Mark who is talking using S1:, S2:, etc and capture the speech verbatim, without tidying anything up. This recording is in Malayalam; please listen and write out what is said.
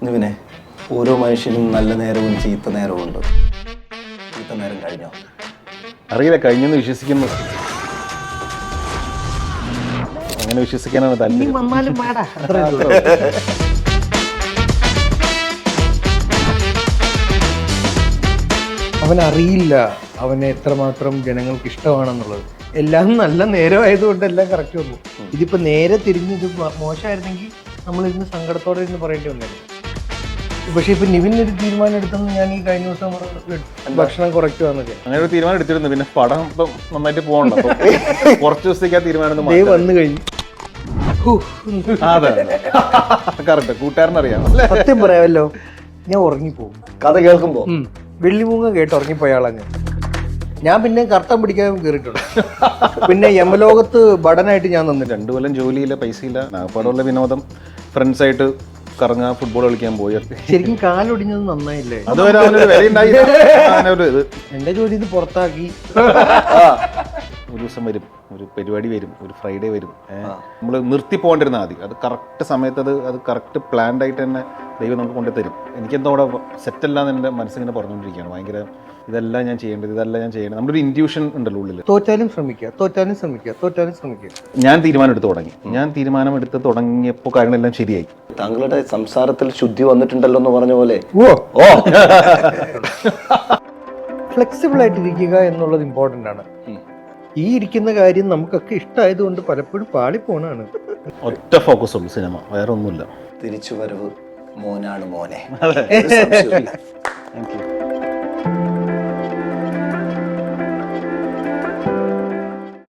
S1: നിവിനെ, ഓരോ മനുഷ്യനും നല്ല നേരവും ചീത്ത നേരവും ഉണ്ട്. ചീത്ത നേരം കഴിഞ്ഞോ?
S2: അറിയില്ല, കഴിഞ്ഞെന്ന് വിശ്വസിക്കുന്നു. അങ്ങനെ വിശ്വസിക്കാനാണ് താല്പര്യം.
S3: വന്നാലും പാടാ. അവനറിയില്ല അവനെ എത്രമാത്രം ജനങ്ങൾക്ക് ഇഷ്ടമാണെന്നുള്ളത്. എല്ലാം നല്ല നേരമായതുകൊണ്ട് എല്ലാം കറക്റ്റ് വന്നു. ഇതിപ്പോ നേരെ തിരിഞ്ഞ് ഇത് മോശമായിരുന്നെങ്കിൽ നമ്മൾ ഇരുന്ന് സങ്കടത്തോടെ ഇരുന്ന് പറയേണ്ടി വന്നായിരുന്നു. പക്ഷെ ഇപ്പൊ നിവിൻ ഒരു തീരുമാനം എടുത്തെന്ന് ഞാൻ ഈ കഴിഞ്ഞ ദിവസം ഭക്ഷണം കുറയ്ക്കുവാന്നൊക്കെ
S2: അങ്ങനെ ഒരു തീരുമാനം എടുത്തിരുന്നു. പിന്നെ പടം ഇപ്പം നന്നായിട്ട് പോകണ്ട, കുറച്ച് ദിവസത്തേക്ക് ആ തീരുമാനം
S3: വന്നു കഴിഞ്ഞു.
S2: അതെ, കറക്റ്റ്. കൂട്ടുകാരനറിയാം.
S3: സത്യം പറയാമല്ലോ, ഞാൻ ഉറങ്ങിപ്പോകും
S1: കഥ കേൾക്കുമ്പോ.
S3: വെള്ളിമൂങ്ങ കേട്ട് ഉറങ്ങിപ്പോയാളങ്ങ്. ഞാൻ പിന്നെ കർത്തം പിടിക്കാൻ കയറിയിട്ടുണ്ട്. പിന്നെ യമലോകത്ത് ബടനായിട്ട് ഞാൻ നിന്നിട്ടുണ്ട്.
S2: രണ്ടു കൊല്ലം ജോലിയില്ല, പൈസയില്ല, നാഗപ്പാടുള്ള വിനോദം, ഫ്രണ്ട്സായിട്ട് കറങ്ങാ, ഫുട്ബോൾ കളിക്കാൻ പോയി.
S3: ശരിക്കും കാലൊടിഞ്ഞത് നന്നായില്ലേ?
S2: അതുവരെ അവനൊരു വില ഉണ്ടായി.
S3: എന്റെ ജോലി ഇത് പുറത്താക്കി.
S2: ഒരു ദിവസം വരും, ഒരു പരിപാടി വരും, ഒരു ഫ്രൈഡേ വരും. നമ്മൾ നിർത്തി പോകേണ്ടിരുന്ന ആദ്യം അത് കറക്റ്റ് സമയത്ത് അത് അത് കറക്റ്റ് പ്ലാൻഡ് ആയിട്ട് തന്നെ ദൈവം നമുക്ക് കൊണ്ടുതരും. എനിക്കെന്തോ അവിടെ സെറ്റല്ലാന്ന് എൻ്റെ മനസ്സിങ്ങനെ പറഞ്ഞുകൊണ്ടിരിക്കുകയാണ്. ഭയങ്കര ഇതെല്ലാം ഞാൻ ചെയ്യേണ്ടത്, ഇതെല്ലാം ഞാൻ ചെയ്യേണ്ടത്. നമ്മുടെ ഒരു ഇൻറ്റ്യൂഷൻ ഉണ്ടല്ലോ ഉള്ളിൽ.
S3: തോറ്റാലും ശ്രമിക്കുക, തോറ്റാലും ശ്രമിക്കുക, തോറ്റാലും ശ്രമിക്കുക.
S2: ഞാൻ തീരുമാനം എടുത്ത് തുടങ്ങി. ഞാൻ തീരുമാനം എടുത്ത് തുടങ്ങിയപ്പോൾ കാര്യങ്ങളെല്ലാം ശരിയായി.
S1: താങ്കളുടെ സംസാരത്തിൽ ശുദ്ധി വന്നിട്ടുണ്ടല്ലോ എന്ന് പറഞ്ഞ പോലെ.
S3: ഓ ഓ ഫ്ലെക്സിബിൾ ആയിട്ടിരിക്കുക എന്നുള്ളത് ഇമ്പോർട്ടൻ്റ് ആണ്. ഈ ഇരിക്കുന്ന കാര്യം നമുക്കൊക്കെ ഇഷ്ടമായതുകൊണ്ട് പലപ്പോഴും പാളിപ്പോണാണ്.
S2: ഒറ്റ ഫോക്കസ് ഉള്ളൂ സിനിമ, വേറെ ഒന്നുമില്ല.
S1: തിരിച്ചു വരവ് മോനാണ് മോനെ.
S2: Thank U.